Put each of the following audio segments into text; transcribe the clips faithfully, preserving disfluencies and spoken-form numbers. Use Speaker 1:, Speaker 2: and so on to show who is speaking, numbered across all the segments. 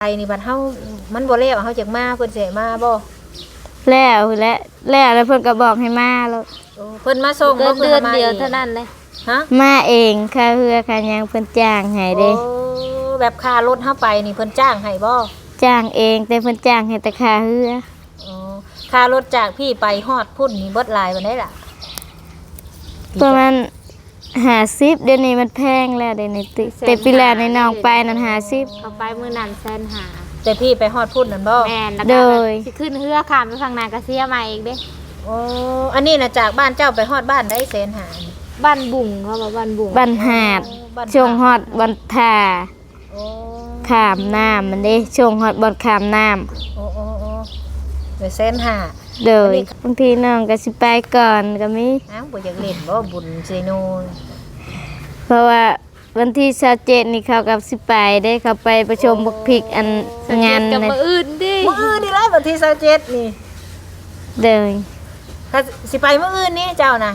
Speaker 1: ไปนี่บัดเฮามันบ่แล้วเฮาจักมาเพิ่นสิให้มาบ่
Speaker 2: แล้วและแล้วแล้วเพิ่นก็บอกให้มาแล้ว
Speaker 1: โอ้เพิ่นมาส่งบ่
Speaker 3: เดือนเดียวเท่านั้นเลย
Speaker 1: ฮะ
Speaker 2: มาเองค่าเฮือค่าหยังเพิ่นจ้างให้เด้
Speaker 1: โอ้แบบค่ารถเฮาไปนี่เพิ่นจ้างให้บ่
Speaker 2: จ้างเองแต่เพิ่นจ้างให้แต่ค่าเฮือ
Speaker 1: อ๋อค่ารถจากพี่ไปฮอดพุ่นนี่เบิดหลายปานใดล่ะ
Speaker 2: ประมาณห้าสิบเดี๋ยวนี้มันแพงแล้วเดี๋ยวนี้ติแต่ปีแล้วในน้องไปนั่นห้าสิบ
Speaker 3: เขาไปมื้อนั้นแสนหา
Speaker 1: แต่พี่ไปฮอดพุ่นนั่นบ่
Speaker 3: แม่นแล้วก็สิขึ้นเฮือข้ามไปฝั่งนาก็เสียมาอีกเด้
Speaker 1: โอ้อันนี้น่ะจากบ้านเจ้าไปฮอดบ้านได้แสนหา
Speaker 3: บ้านบุ่งเขาบอกบ้านบุ่ง
Speaker 2: บ้านหาดช่วงฮอดบ้านท่า
Speaker 1: โอ้
Speaker 2: ข้ามน้ำมันเด้ช่วงฮอดบ่อนข้ามน้ำ
Speaker 1: โอ้โอ้โอ้ได้แสนหา
Speaker 2: เด้อบางทีน้องก็สิไปก่อนก็มี
Speaker 1: อ้าวบ่อยากเล่นบ่บุญเซโน
Speaker 2: เพราะว่าวันที่ยี่สิบเจ็ดนี่เขากับสิไปได้เขาไปประชุมบักพริกอันงาน
Speaker 3: กับมื้ออื่นดิ
Speaker 1: มื้ออื่นนี่แหละวันที่ยี่สิบเจ็ดนี่
Speaker 2: เด้อ
Speaker 1: ถ้าสิไปมื้ออื่นนี่เจ้าน่ะ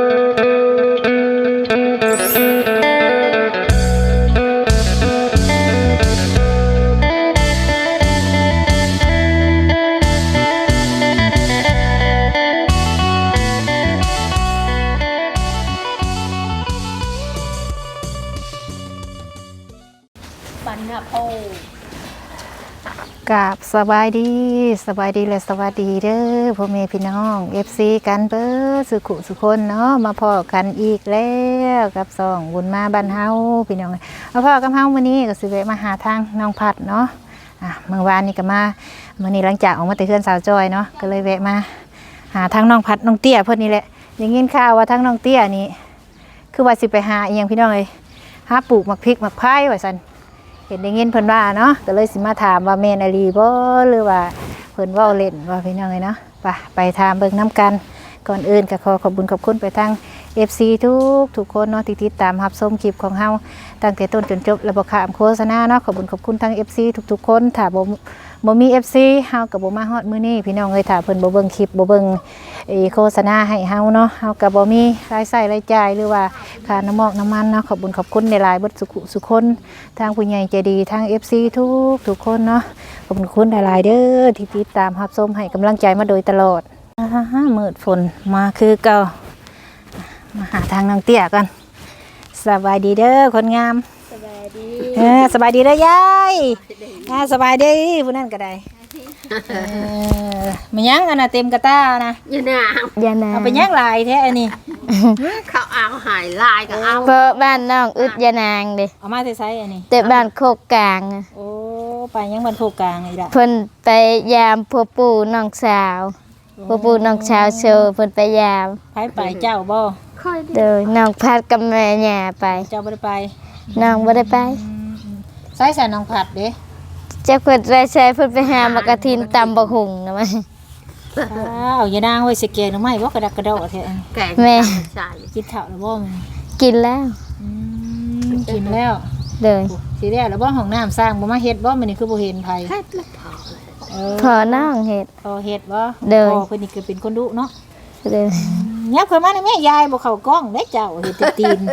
Speaker 1: กราบสบายดีสบายดีและสวัสดีเด้อพ่อแม่พี่น้อง เอฟ ซี กันเบิดสุขุสุคนเนาะมาพ่อกันอีกแล้วกับสองบุญมาบ้านเฮาพี่น้องมาพ่อกับเฮามื้อนี้ก็สิแวะมาหาทางน้องพัดเนาะอ่ะเมื่อวานนี้ก็มามื้อนี้หลังจากออกมาแต่เฮือนสาวจอยเนาะก็เลยแวะมาหาทางน้องพัดน้องเตี้ยเพิ่นนี่แหละได้ยินข่าวว่าทางน้องเตี้ยนี่คือว่าสิไปหาอีหยังพี่น้องเอ้ยหาปลูกหมักพริกหมักไผ่ว่าซั่นเห็นได้ยินเพิ่นว่าเนาะก็เลยสิมาถามว่าแม่นอลีบ่หรือว่าเพิ่นเว้าเล่นว่าพี่น้องเอ้ยเนาะไปไปถามเบิ่งน้ำกันก่อนอื่นก็ขอขอบคุณขอบคุณไปทาง เอฟ ซี ทุกทุกคนเนาะที่ติดตามรับชมคลิปของเฮาตั้งแต่ต้นจนจบและบ่ข้ามโฆษณาเนาะขอบคุณขอบคุณทาง เอฟ ซี ทุกๆคนถ้าบ่บ่มี เอฟ ซี เฮาก็บ่มาฮอดมื้อนี้พี่น้องเอ้ยถ้าเพิ่นบ่เบิ่งคลิปบ่เบิ่งไอ้โฆษณาให้เฮาเนาะเฮาก็บ่มีรายจ่ายรายจ่ายหรือว่าค่าน้ำมอกน้ำมันเนาะขอบคุณขอบคุณหลายๆเบิดสุขสุขคนทางผู้ใหญ่ใจดีทาง เอฟ ซี ทุกทุกคนเนาะขอบคุณคุณหลายๆเด้อที่ติดตามรับชมให้กำลังใจมาโดยตลอดฮ่าๆมืดฝนมาคือเก่ามาหาทางน้องเตี้ยกันสบายดีเด้อคนงาม
Speaker 3: สบายดี
Speaker 1: เออสบายดีเด้อยายอ่าสบายดีผู้นั้นก็ได้เออมันยังอันน่ะเต็มกระต้านะ
Speaker 3: ยานาง
Speaker 2: ยานาง
Speaker 1: เอาไปยังหลายแท้อันนี้
Speaker 3: เขาเอาหายลายก็เอา
Speaker 2: เพราะบ้านน้องอึดยานางเด้
Speaker 1: เอามาใส่อันนี้
Speaker 2: แต่บ้านโคกกลาง
Speaker 1: โอ้ไปยังบ้านโคกกลางอีกละ
Speaker 2: เพิ่นไปยามพ่อปู่น้องสาวพ่อปู่น้องสาวโชว์เพิ่นไปยาม
Speaker 1: ไปไปเจ้าบ่
Speaker 2: เด้อน้องพัดกับแม่ย่าไป
Speaker 1: เจ้าบ่ได้ไป
Speaker 2: น้องบ่ได้ไป
Speaker 1: ใส่ใส่น้องผัดเด้
Speaker 2: จักเพิ่นไปใช้เพิ่นไปหามากระทินตำบักหุ่งนะมั้ย
Speaker 1: เอาอย่านางไว้สิแกงหน่อไม้บ่กระดักกระโดดแท้
Speaker 3: แกงแม่ใช่
Speaker 1: กินข้าวแล้วบ่มื้อ
Speaker 2: กินแล้ว
Speaker 1: อืมกินแล้ว
Speaker 2: เด้อ
Speaker 1: สิแล้วแล้วบ่ห้องน้ำสร้างบ่มาเฮ็ดบ่มื้อนี้คือบ่เห็นไผ
Speaker 3: เฮ็ดแล้วพอ
Speaker 2: พอน้องเฮ็ด
Speaker 1: พอเฮ็ดบ่
Speaker 2: เด้อ
Speaker 1: พอเพิ่นนี่คือเป็นคนดุเนาะ
Speaker 2: เด้อ
Speaker 1: ยับเข้ามาแม่ยายบ่เข้ากล้องเด้เจ้าเฮ็ดตีน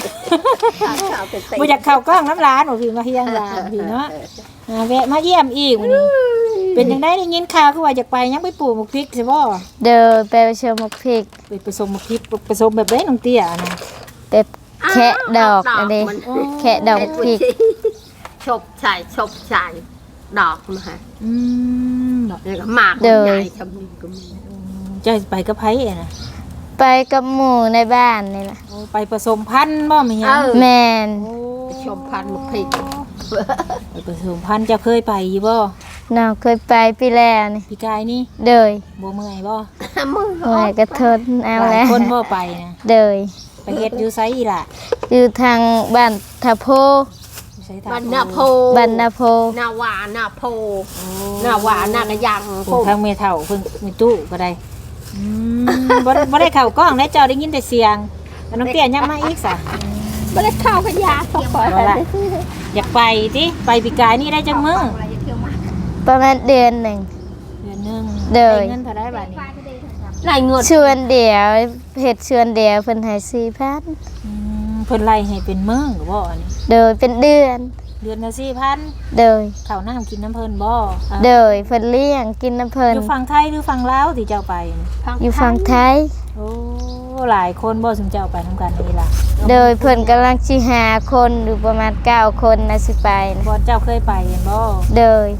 Speaker 1: บ่อยากเข้ากล้องน้ำหลานบ่พี่มาเฮียงหลานพี่เนาะอ่าแวะมาเยี่ยมอีกมื้อนี้เป็นจังได๋ได้ยินข่าวคือว่าอยากไปยังไปปลูกหมกพริกใช่บ่
Speaker 2: เด้อไปชมหมกพริก
Speaker 1: ไปผสมหมกพริกผสมแบบใดน้องเตี้ยนะ
Speaker 2: เป็ดแคะดอกอันนี้แคะดอกพริก
Speaker 3: ชบใส่ชบใส่ดอกมาฮะ
Speaker 1: อืมดอก
Speaker 3: นี่ก็หมากใหญ่ชำนิก็มี
Speaker 1: จะไปกับไผอ่ะนะ
Speaker 2: ไปกับหมู่ในบ้านนี่ล่ะ
Speaker 1: ไปผสมพันธุ์บ่แม่ยัง
Speaker 2: แม่น
Speaker 3: ไปชมพันธุ์หมกพริก
Speaker 1: ไปผสมพันธุ์จะเคยไปอยู่บ่
Speaker 2: น้องเคยไปปีแล้วนี่
Speaker 1: ปีกายนี่
Speaker 2: เด้อ
Speaker 1: บ่เมื่อยบ่
Speaker 3: เมื่
Speaker 2: อยก็ทนเอาแล้ว
Speaker 1: คนบ่ไปนะ
Speaker 2: เด้อ
Speaker 1: ไปเฮ็ดอยู่ไสอีล่ะ
Speaker 2: อยู่ทางบ้านทะโพ
Speaker 3: บ้านนาโพ
Speaker 2: บ้านนาโพ
Speaker 3: นาวานาโพนาวานากะยัง
Speaker 1: โพทางเมเฒ่าเพิ่นมีตู้ก็ได้อืมบ่บ่ได้เข้ากล้องได้เจ้าได้ยินแต่เสียงน้องเตี้ยยังมาอีกซะ
Speaker 3: บ่ได้เข้ากับยาตกก่อน
Speaker 1: อยากไปติไปปีกายนี่ได้จังมื้อ
Speaker 2: ประมาณเดือนหนึ่ง
Speaker 1: เดือนนึง
Speaker 2: ได้
Speaker 1: เงินเท่าไดบาดนี้
Speaker 3: ไล่เงิน
Speaker 2: ชวนเดียวเฮ็ดชวนเดียวเพิ่นให้ สี่พัน
Speaker 1: อืมเพิ่นไล่ให้เป็นมื้อก็บ่อันนี้
Speaker 2: โดยเป็นเดือน
Speaker 1: เดือนละสี่พัน
Speaker 2: โดย
Speaker 1: ข้าวน้ำกินน้ำเพิ่นบ่
Speaker 2: โดยเพิ่นเลี้ยงกินน้ำเพิ่น
Speaker 1: อยู่ฝั่งไทยหรือฝั่งลาวที่เจ้าไปนี่
Speaker 2: อยู่ฝั่งไทย
Speaker 1: โอ้หลายคนบ่สมเจ้าไปนํกันนี่ล่ะ
Speaker 2: โดยเพิ่นกำลังสิหาคนหรือประมาณเก้าคนนะสิไปนะ
Speaker 1: บ่เจ้าเคยไปเห็นบ่
Speaker 2: โดย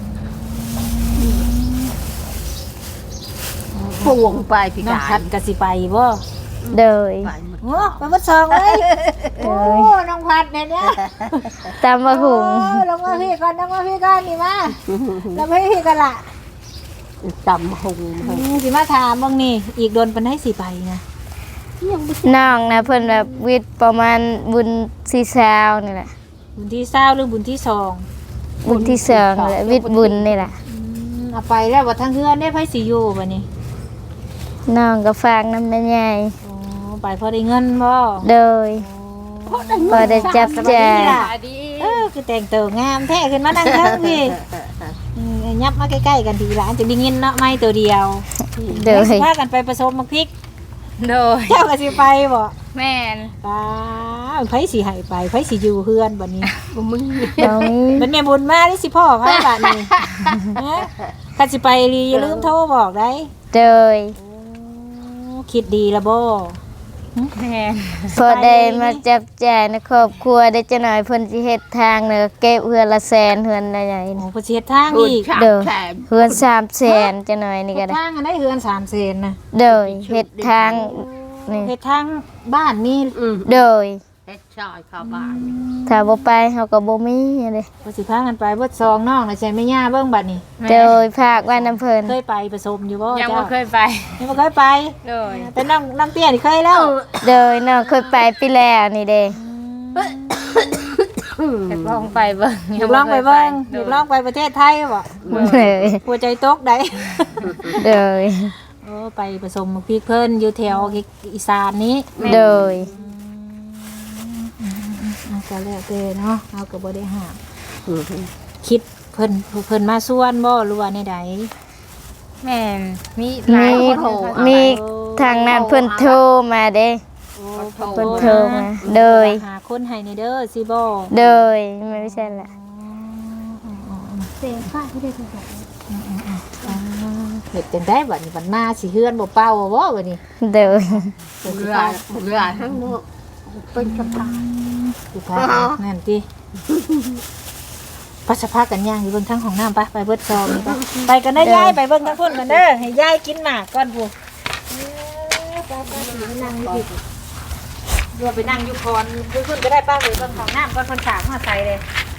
Speaker 3: พวงไปพี่
Speaker 1: น้อง
Speaker 3: กา
Speaker 1: พั
Speaker 3: ย
Speaker 1: ดก็สิไปบ่
Speaker 2: โดย
Speaker 3: ไปหมด
Speaker 1: โอ้ไปบ่ซองเลยโอ้น้องพัดเนี่ยเนี่ย
Speaker 2: ตามมาหุง
Speaker 1: โอ้ลงมาพี่ก่อนลงมาพี่ก่อนนี่มาลงมาพี่กันล่ะ
Speaker 3: จำหง
Speaker 1: อืมสิมาถามบ้างนี่อีกโดนปานให้สิไปนะ
Speaker 2: น้องนะเพิ่นแบบวิทย์ประมาณบุญสี่สาวนี่แหละ
Speaker 1: บุญที่เศร้าหรือบุญที่สอง
Speaker 2: บุญที่สองนี่แหละวิทย์บุญนี่แหละ
Speaker 1: อืมเอาไปแล้วว่าทั้งเฮือนได้ไผสิอยู่บัดนี้
Speaker 2: น้องก็ฝากน้ำแม่ใหญ่
Speaker 1: โอ้ไปพอได้เงินบ่
Speaker 2: โดยพอได้จับแจก
Speaker 1: เออคือแต่งตัวงามแท้ขึ้นมานั่งเทิงพี่อืมยับมาใกล้ๆกันทีหลานจะได้ยินเนาะไม่ตัวเดียว
Speaker 2: โดย
Speaker 1: สิพากันไปผสมมักพริก
Speaker 2: โดย
Speaker 1: เจ้าก็สิไปบ่
Speaker 2: แม่น
Speaker 1: ป้าไผสิให้ไปไผสิอยู่เฮือนบัดนี้
Speaker 3: มึง
Speaker 2: น้องนี้
Speaker 1: เป็นแม่บุญมาที่สิพ่อพาบาดนี้ฮะคันสิไปลีอย่าลืมโทรบอกได้
Speaker 2: โดย
Speaker 1: โอ้คิดดีละบ่
Speaker 2: แม่นพอได้มาจับแจกในครอบครัวได้จะหน่อยเพิ่นสิเฮ็ดทางเนอะเก็บเฮือนละแสนเฮือนละใหญ่
Speaker 1: โอ้ประเทศทาง
Speaker 3: พูด
Speaker 1: อีก
Speaker 3: ขาด
Speaker 2: เด้อ
Speaker 3: แถม
Speaker 2: เฮือนสามแสนจะหน่อยนี่ก็
Speaker 1: เฮ็ด
Speaker 2: ได้
Speaker 1: ทางอันได้เฮือนสามเซนนะ
Speaker 2: โดยเฮ็ดทางนี่
Speaker 1: เฮ็ดทางบ้านนี่
Speaker 3: อืม
Speaker 2: โดย
Speaker 3: เฮ็ดชอยเข้าบ้าน
Speaker 2: ถ้าบ่ไปเฮาก็บ่มีเด้
Speaker 1: ว่าสิพากันไปเบิดซองน้องน่ะใช่แม่ย่าเบิ่งบัดนี้
Speaker 2: โดยภาคว่าน้ำเพิ่น
Speaker 1: เคยไปผสมอยู่บ่
Speaker 4: ยัง
Speaker 1: เจ้า
Speaker 4: ไม่เคยไป
Speaker 1: ยังบ่เคยไป
Speaker 4: เลย
Speaker 1: แต่น้องน้องเตี้ยนี่เคยแล้ว
Speaker 2: โดยน้องเคยไปปีแล้วนี่เด้
Speaker 4: อยากลองไปเบิ่ง
Speaker 1: อยากลองไปเบิ่งอยากลองไปประเทศไทยบ่
Speaker 2: เลย
Speaker 1: หัวใจตกได้
Speaker 2: โดย
Speaker 1: โอ้ไปผสมพริกเพิ่นอยู่แถวอีสานนี้
Speaker 2: โดย
Speaker 1: เอาก็แล้วแต่เนาะเอาก็บ่ได้ห้าม
Speaker 3: อืม
Speaker 1: คิดเพิ่นเพิ่นมาส่วนบ่หรือว่าในใด
Speaker 4: แม่นมีหลายคนโทรเอา
Speaker 2: มีทางนั้นเพิ่นโทรมาเด้
Speaker 1: โอ้
Speaker 2: เพิ่นโทรมาโดย
Speaker 1: หาคนให้ในเด้อสิบ่
Speaker 2: โดยไม่ใช่ละ
Speaker 1: เฮ็ดจังได๋บัดนี้บัดมาสิเฮือนบ่เป่าบ่บัดนี้
Speaker 2: โดย
Speaker 3: เรือเรือทั้งหมดเป็นกระพา
Speaker 1: สิพานั่นติปัสสาวะกันย่างอยู่เบิ่งทางห้องน้ำไปไปเบิดซองนี่ไปไปกันได้อยายไปเบิ่งทางพุ่นกันเด้อให้ยายกินหมากก่อนพู่ไปไปสินั่งอยู่พี่รวมไปนั่งอยู่คอนพุ่นก็ได้ป้าเลยเบิ่งของน้ำก่อนเพิ่นฝากมาใส่เลย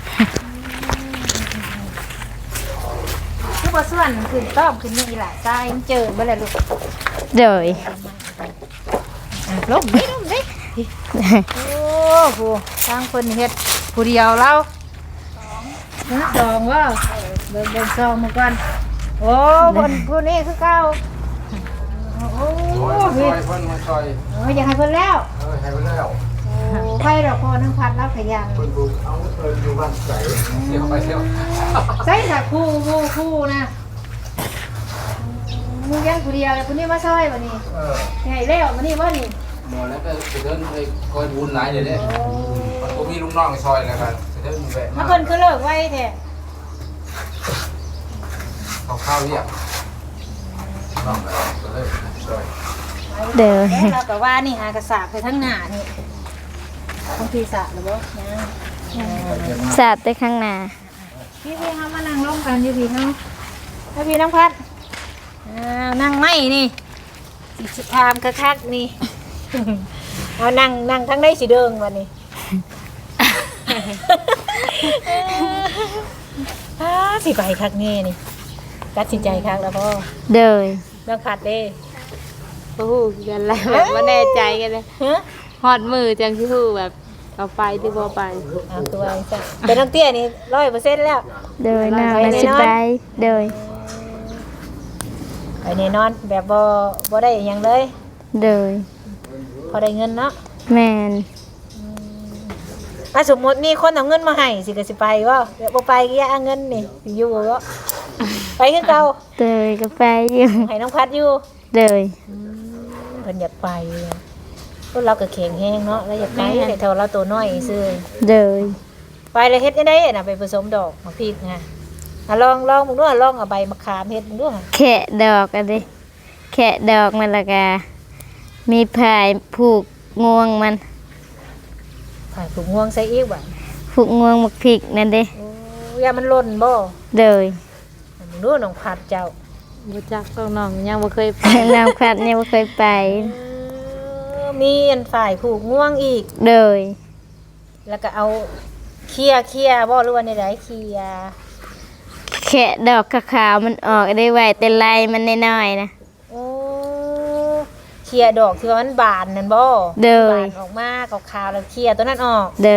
Speaker 1: คือบ่ส่วนขึ้นต้อมขึ้นนี่ล่ะทรายมันเจิดบ่ล่ะลูก
Speaker 2: โดย
Speaker 1: อ่ะลงนี่ลงนี่โอ้โหทางเพิ่นเฮ็ดผู้เดียวเราสองสองว่าเบิ่งเบิ่งซองมาก่อนโอ้บนผู้นี้คือเก่าโอ้
Speaker 5: โอ้ยมาซอยเพิ่นมาซอย
Speaker 1: โอ้ยอยากให้เพิ่นแล้ว
Speaker 5: เออให้ไปแล้ว
Speaker 1: โอ้ไปดอกพอนึงพัดแล้วขยัน
Speaker 5: เพิ่นปลูกเอาเพิ่นอยู่บ้านใส่เดี๋ยวไปเที่ยว
Speaker 1: ใส่สักคู่คู่คู่นะมึงยังผู้เดียวเลยผู้นี้มาซอยบัดนี้
Speaker 5: เออ
Speaker 1: ให้แล้วมื้อนี้บ่นี่
Speaker 5: หมอแล้วก็จะเดินไปคอยบุญหลายเดี๋ยวนี้มันก็มีลูกน้องซอยแล้วกันจะเดินแวะ
Speaker 1: แล้
Speaker 5: มาว
Speaker 1: เพิ่นคือเลิกไว้แท้
Speaker 5: เอาข้าวเรียกน้องก็เลยซอย
Speaker 2: โดย
Speaker 1: เราแต่ว่านี่หากระสาบไปทั้งหน้านี่บางทีสาบหรือบ่ยัง
Speaker 2: สาดไปข้างหน้า
Speaker 1: พี่พี่เขามานั่งร่วมกันอยู่พี่เขาแล้วพี่น้องพัดอ้าวนั่งไม่นี่สิทามคักๆนี่ เอานั่งนั่งทั้งได้สิเดิงวันนี้ อ้าสิไปคักแน่นี่ตัดสินใจคักแล้วพ่อ
Speaker 2: โดย
Speaker 1: น้องขัดเด้
Speaker 4: โอ้โหกันแล้วแบบว่าแน่ใจกันเลย
Speaker 1: ฮะ
Speaker 4: ฮอดมือจังที่ฮู้แบบเอาไปที่บ่ไป
Speaker 1: เอาตัวไอ้จ้ะเป็นน้องเตี้ยนี่ร้อยเปอร์เซ็นต์แล้ว
Speaker 2: โดยน้องน่ะสิไปโดย
Speaker 1: ไปแน่นอนแบบบ่บ่ได้หยังเลย
Speaker 2: โดย
Speaker 1: พอได้เงินเนาะ
Speaker 2: แม่น
Speaker 1: ถ้าสมมติมีคนเอาเงินมาให้สิก็สิไปว่าเดี๋ยวบ่ไปก็อย่าเอาเงินนี่สิอยู่บ่ไปคือเก่า
Speaker 2: โดยก็ไปอยู่
Speaker 1: ให้น้องพัดอยู่
Speaker 2: โดย
Speaker 1: เพิ่นอยากไปพวกเราก็แข็งแรงเนาะแล้วอยากไปแต่เท่าเราตัวน้อยซื่อ
Speaker 2: โดย
Speaker 1: ไปไปเลยเฮ็ดได้น่ะไปผสมดอกมะพริกนะอ่ะลองลองมึงดูลองเอาใบมะขามเฮ็ดมึงดู
Speaker 2: แคะดอกอันนี้แคะดอกมันและกามีพายผูกงวงมัน
Speaker 1: ผ่านถุงห่วงใส่อีกบ่
Speaker 2: ผูกงวงมักพริกนั่นเด้
Speaker 1: โอ้ยามันหล่นบ่
Speaker 2: เลย
Speaker 1: มึงดูน้องผัดเจ้า
Speaker 4: บ่จักต้องน้องยังบ่เคยไป
Speaker 2: น้ำพัดเนี่ยบ่เคยไป
Speaker 1: เออมีอันฝ่ายผูกง่วงอีก
Speaker 2: เลย
Speaker 1: แล้วก็เอาเคลียร์เคลียร์บ่หรือว่าในไหนเคลียร์
Speaker 2: แคะดอกขาวๆมันออกได้ไวแต่ลายมันน้อยๆนะ
Speaker 1: โอ้เคลียร์ดอกที่ว่ามันบานนั่นบ่
Speaker 2: เด้อ
Speaker 1: บานออกมาขาวๆแล้วเคลียร์ตัวนั้นออก
Speaker 2: เลย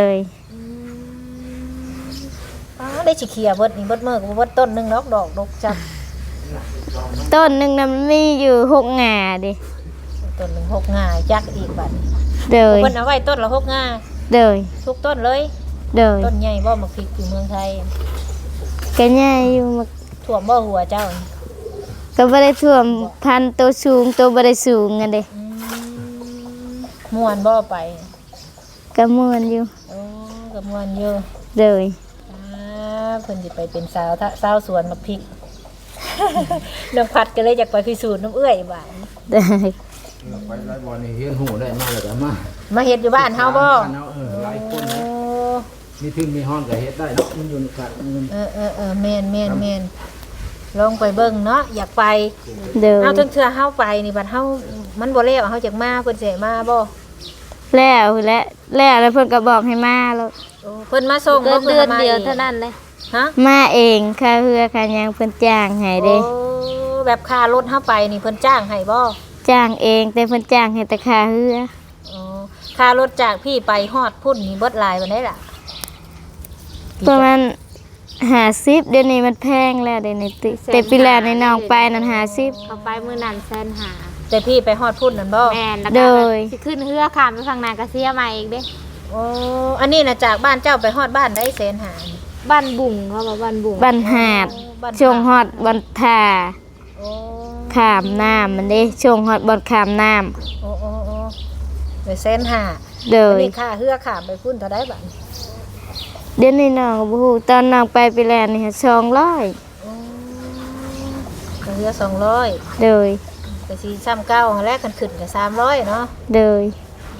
Speaker 1: อ๋อได้สิเคลียร์เบิดนี่เบิดมื้อก็บ่เบิดต้นหนึงดอกดอกดอกจับ
Speaker 2: ต้นหนึงน่ะมันมีอยู่หกหง่าดิ
Speaker 1: ต้นหนึงหกง่าจักอีกบัดนี้
Speaker 2: เลย
Speaker 1: เพิ่นเอาไว้ต้นละหกง่า
Speaker 2: เลย
Speaker 1: ทุกต้นเลย
Speaker 2: เลย
Speaker 1: ต้นใหญ่บ่มักพริกอยู่เมืองไทย
Speaker 2: ก็ใหญ่อยู่มัน
Speaker 1: ท่วมบ่หัวเจ้า
Speaker 2: ก็บ่ได้ท่วมพันธุ์ตัวสูงตัวบ่ได้สูงอันเด้
Speaker 1: อืมม่วนบ่ไป
Speaker 2: ก็ม่วนอยู่
Speaker 1: โอ้ก็ม่วนอยู่
Speaker 2: เลย
Speaker 1: อ่าเพิ่นสิไปเป็นสาวทะสาวสวนมักพริก น้องพัดก็เลยอยากไปพิสูจน์น้ำเอื้อยบ้าน
Speaker 2: ได้
Speaker 5: ไปไล่บอลนี่เฮียนหูได้มาแล้วก็มา
Speaker 1: มาเฮ็ดอยู่บ้านเฮาบ่
Speaker 5: บ้นเฮาเออหลายคน
Speaker 1: โอ้
Speaker 5: นะมีทึ่มีห้องก็เฮ็ดได้เนาะมันอยู่ในกันมัน
Speaker 1: เออเออเออแม่นแม่นแม่นลองไปเบิ่งเนาะอยากไป
Speaker 2: เลย
Speaker 1: เอาถึงเทื่อเฮาไปนี่บัดเฮามันบ่แล้วเฮาจักมาเพิ่นสิให้มาบ่
Speaker 2: แล้วและแล้วแล้วเพิ่นก็บอกให้มาแล้ว
Speaker 1: โอ้เพิ่นมาส่ง
Speaker 4: เกิ
Speaker 1: บ่
Speaker 4: น
Speaker 1: พิ่
Speaker 4: เดือน
Speaker 1: ม
Speaker 4: เดียว
Speaker 1: ง
Speaker 4: เท่านั้นเลย
Speaker 1: ฮะ
Speaker 2: มาเองค่าเรือค่าหยังเพิ่นจ้างให้เด้
Speaker 1: โอ้แบบค่ารถเฮาไปนี่เพิ่นจ้างให้บ่
Speaker 2: จ้างเองแต่เพิ่นจ้างให้แต่ค่าเรือ
Speaker 1: อ๋อค่ารถจากพี่ไปฮอดพุ่นนี่เบิดหลายปานใดล่ะ
Speaker 2: ประมาณห้าสิบเดี๋ยวนี้มันแพงแล้วเดี๋ยวนี้ติแต่ปีแล้วในน้องไปนั่นห้าสิบ
Speaker 4: เขาไปมื้อนั้นแสนหา
Speaker 1: แต่พี่ไปฮอดพุ่นนั่นบ่
Speaker 4: แม่นแล้ว
Speaker 2: โด
Speaker 4: ก็
Speaker 2: ย
Speaker 4: สิขึ้นเรือข้ามไปฝั่งนากาเซียใหม่อีกเด้
Speaker 1: โอ้อันนี้น่ะจากบ้านเจ้าไปฮอดบ้านได้แสนหานี่
Speaker 4: บ้านบุ่งเขาบอกบ้านบุ่ง
Speaker 2: บันหาด
Speaker 1: บ้าน
Speaker 2: ช่วงฮอดบันทา
Speaker 1: โอ้
Speaker 2: ขามน้ำมันเด้ช่วงฮอดบอนขามน้
Speaker 1: โอ้โอ้โอ้ไปแสนหา
Speaker 2: ำโด
Speaker 1: อัน
Speaker 2: ย
Speaker 1: นี้ค่าเฮือข้ามไปพุ่นเท่าใดบัดนี้
Speaker 2: เดี๋ยวนี้น้องก็บ่ฮู้ตอนน้องไปปีแล้วนี่สองร้อย
Speaker 1: โอ้ค่าเฮือสองร้อย
Speaker 2: โดย
Speaker 1: ก็สิซ้ำเก้าแรกกันขึ้นก็สามร้อยเนาะ
Speaker 2: โดย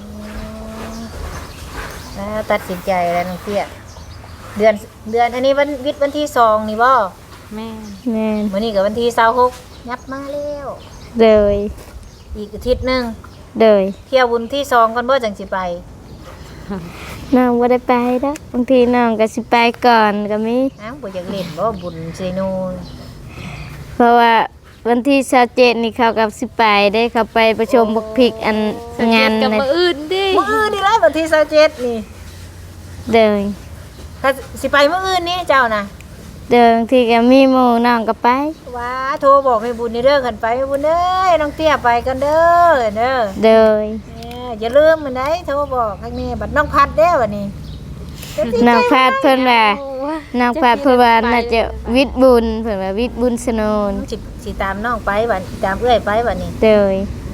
Speaker 1: แล้วตัดสินใจแล้วน้องเตี้ยเดือนเดือนอันนี้วันวิทย์วันที่สองนี่บ่
Speaker 4: แม่น
Speaker 2: แม่น
Speaker 1: มื้อนี้ก็วันที่ยี่สิบหกยับมาแล้ว
Speaker 2: โดย
Speaker 1: อีกอาทิตย์หนึง
Speaker 2: โดย
Speaker 1: เที่ยวบุญที่สองกันบ่จังสิไป
Speaker 2: น้องบ่ได้ไปดอกบางทีน้องก็สิไปก่อนก็มี
Speaker 1: อ้าวบ่อยากเล่นบ่บุญเซโน
Speaker 2: เพราะว่าวันที่ยี่สิบเจ็ดนี่เขากับสิไปได้เขาไปประชุมบักพริกอันงาน
Speaker 4: กับ
Speaker 2: นะ
Speaker 4: มื้ออื่นดิ
Speaker 1: มื้ออื่นนี่แหละวันที่ยี่สิบเจ็ดนี่
Speaker 2: เดิน
Speaker 1: ถ้าสิไปมื้ออื่นนี่เจ้าน่ะ
Speaker 2: เดินที่ก็มีหมู่น้องก็ไป
Speaker 1: ว้าโทรบอกให้บุญนี่เด้อคันไปให้บุญเอ้ยน้องเตี้ยไปกันเด้อเด้อ
Speaker 2: เดิน
Speaker 1: แหมอย่าลืมมันได้โทรบอกให้แม่บัดน้องพัดเด้อวันนี้
Speaker 2: น้องพาดเพิ่นว่าน้องพาดเพิ่นว่าน่าจะวิทย์บุญเพิ่นว่าวิทย์บุญสนน
Speaker 1: สิสิตามน้องไปบัดตามเอื้อยไปบัดนี้
Speaker 2: เดิน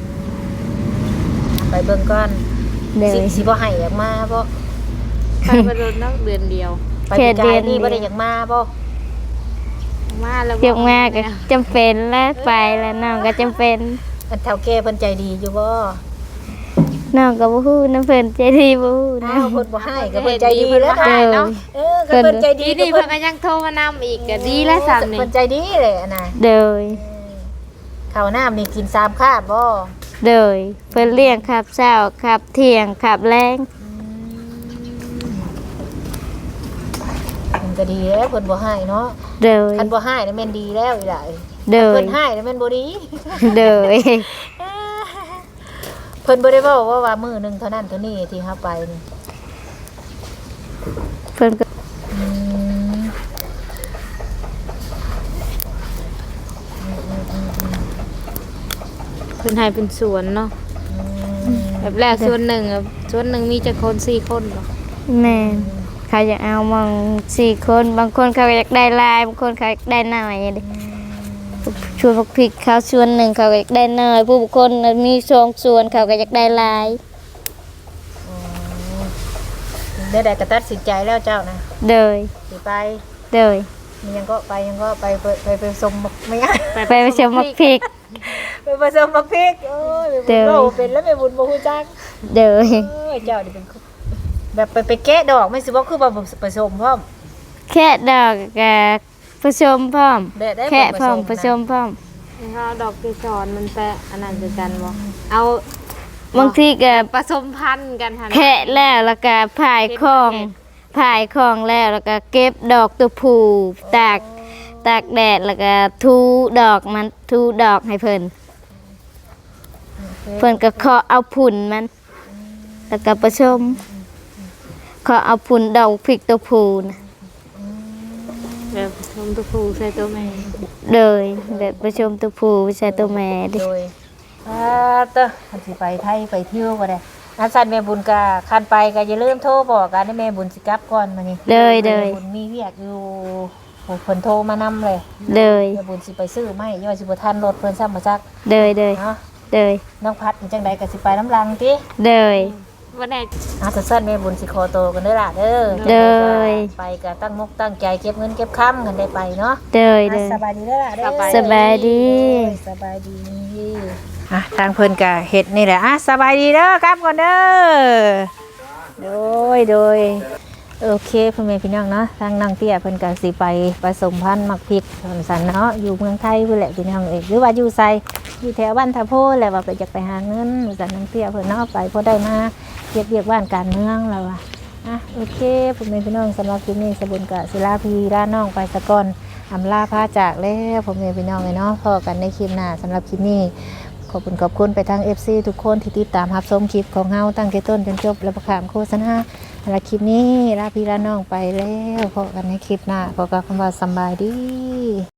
Speaker 1: ไปเบิ่งก่อน
Speaker 2: เดิ
Speaker 1: สิ
Speaker 2: น
Speaker 1: สิบ่ให้อยากมาบ่
Speaker 4: ไปบ่โดนเนาะเดือนเดียว
Speaker 1: ไปปีกายนี่บ่ได้อยากมาบ่
Speaker 4: มาแล้ว
Speaker 2: เกี่ยวมาก็จำเป็นแล้วไปแล้วน้องก็จำเป็น
Speaker 1: อันเฒ่าแก่เพิ่นใจดีอยู่บ่
Speaker 2: น้องก็บ่ฮู้น้ำเพิ่นใจดีบ่ฮู้นะ
Speaker 1: อ้าวเพิ่นบ่ให้ก็เพิ่นใจดีแล้ว
Speaker 2: เดิน
Speaker 1: เนาะเออก็เพิ่นใจดี
Speaker 4: ดีนี่เพิ่นก็ยังโทรมานำอีกก็ดีแล้วซ้ํนี่
Speaker 1: เพิ่นใจดีเลยอะนะ
Speaker 2: เดิน
Speaker 1: ข้าวน้ำนี่กินสามคาบบ่
Speaker 2: เดินเพิ่นเลี้ยงขับเช้าขับเที่ยงขับแรง
Speaker 1: เพิ่นก็ดีแล้วเพิ่นบ่ให้เนาะ
Speaker 2: เดิน
Speaker 1: คันบ่ให้นี่แม่นดีแล้วอีหล่ะ
Speaker 2: เดิ
Speaker 1: เพิ่
Speaker 2: น
Speaker 1: นให้นี่แม่นบ่ดี
Speaker 2: เดิน
Speaker 1: เพิ่นบ่ได้เว้าว่าว่ามื้อหนึงเท่านั้นเท่านี้ที่เฮาไปนี่
Speaker 2: เพิ่นก็
Speaker 1: อืม
Speaker 4: เพิ่นให้เป็นสวนเนาะแบบแรกส่วนหนึ่งอะส่วนหนึ่งมีจักคนสี่คนบ่
Speaker 2: แม่นเขาอยากเอามองสี่คนบางคนเขาอยากได้หลายบางคนเขาอยากได้น้อยเด้ชวนพวกพริกเขาชวนหนึ่งเขาก็อยากได้น้อยผู้บุคคลมีสองส่วนเขาก็อยากได้หลาย
Speaker 1: นได้ได้กระตัดสินใจแล้วเจ้านะ
Speaker 2: เดย
Speaker 1: สิไป
Speaker 2: เดย
Speaker 1: มียังก็ไปยังก็ไปไปไปไปสมบักไม่ง่าย
Speaker 2: ไปไปชมมักพริก
Speaker 1: ไปผสมบักพริกโอ้ย
Speaker 2: เดี๋
Speaker 1: เดี๋
Speaker 2: ยว
Speaker 1: เป็นแล้วไปบุญบ่ฮู้จัก
Speaker 2: เดย
Speaker 1: เอ้ยเจ้านี่เป็นคนแบบไปไปแกะดอกไม่สิบ่คือบ่ผสมพร้อม
Speaker 2: แค่ดอกกับผสมพร้อม
Speaker 1: ได้ได้
Speaker 2: แค่พร้อม
Speaker 1: ผ
Speaker 2: ผ
Speaker 1: ส
Speaker 2: ส
Speaker 1: ม
Speaker 2: ม
Speaker 1: นะ
Speaker 2: พร้อม
Speaker 4: ถ้าดอกเกสรมันแปะอันนั้นคือกันบ่เอา
Speaker 2: บางทีก็
Speaker 4: ผสมพันธุ์กันหั่น
Speaker 2: แค่แล้วแล้วก็ผายของผายของแล้วแล้วก็เก็บดอกตัวผู้ตากตากแดดแล้วก็ทูดอกมันทูดอกให้เพิ่นเพิ่นก็เคาะเอาผุ่นมัน แล้วก็ผสมเคาะเอาผุ่นดอกพริกตัวผู้นะ
Speaker 4: แบบผสมตัวผู้ใส่ตัวแม่
Speaker 2: เลยแบบผสมตัวผู้ใส่ตัวแม่ดิ
Speaker 1: โดยอ่าเตอคันสิไปไทยไปเที่ยวก็ได้อาจารย์แม่บุญก็คันไปก็อย่าลืมโทรบอกกันให้แม่บุญสิกลับก่อนมานี่
Speaker 2: เลยเลย
Speaker 1: แม่บุญมีเวียกอยู่โอ้เพิ่นโทรมานำเลย
Speaker 2: เลย
Speaker 1: แม่บุญสิไปซื้อไม้ย่อยสิบ่ทันรถเพิ่นซ้ำมาซัก
Speaker 2: เลยเลย
Speaker 1: เนาะ
Speaker 2: เลย
Speaker 1: น้องพัดนี่จังใดก็สิไปน้ำลังติ
Speaker 2: เลย
Speaker 4: วันไหน
Speaker 1: อาจะสั้นแม่บุญสิขอโตวกันเด้อล่ะเด้อ
Speaker 2: เลย
Speaker 1: ไปก็ตั้งมุกตั้งใจเก็บเงินเก็บค้ำกันได้ไปเนาะ
Speaker 2: เลยเล
Speaker 1: อ่ะ
Speaker 2: ย
Speaker 1: สบายดีเด้อล่ะเด้อ
Speaker 2: สบายดี
Speaker 1: สบายดีอ่ะทางเพิ่นก็เฮ็ดนี่แหละอ่ะสบายดีเด้อกลับก่อนเด้อโดยโดยโอเคพ่อแม่พี่น้องเนาะทางนางเตี้ยเพิ่นก็สิไปผสมพันธุ์มักพริกสันเนาะอยู่เมืองไทยเพิ่นแหละพี่น้องเอ้ยหรือว่าอยู่ไสอยู่แถวบ้านทาโพแหละว่าไปอยากไปหาเงินสันนางเตี้ยเพิ่นเนาะไปพอได้มาเฮ็ดเวียกบ้านการเมืองแล้วว่าอ่ะโอเคพ่อแม่พี่น้องสำหรับคลิปนี้สบุญกะศิลาพีราน้องไปสะก่อนอำลาพาจากแล้วพ่อแม่พี่น้องเอ้ยเนาะพอกันในคลิปหน้าสำหรับคลิปนี้ ขอบคุณขอบคุณไปทาง เอฟ ซี ทุกคนที่ติดตามรับชมคลิปของเฮาตั้งแต่ต้นจนจบและประขามโฆษณาและคลิปนี้ลาพี่ลาน้องไปแล้วพบกันในคลิปหน้าพบกับคำว่าสำบายดี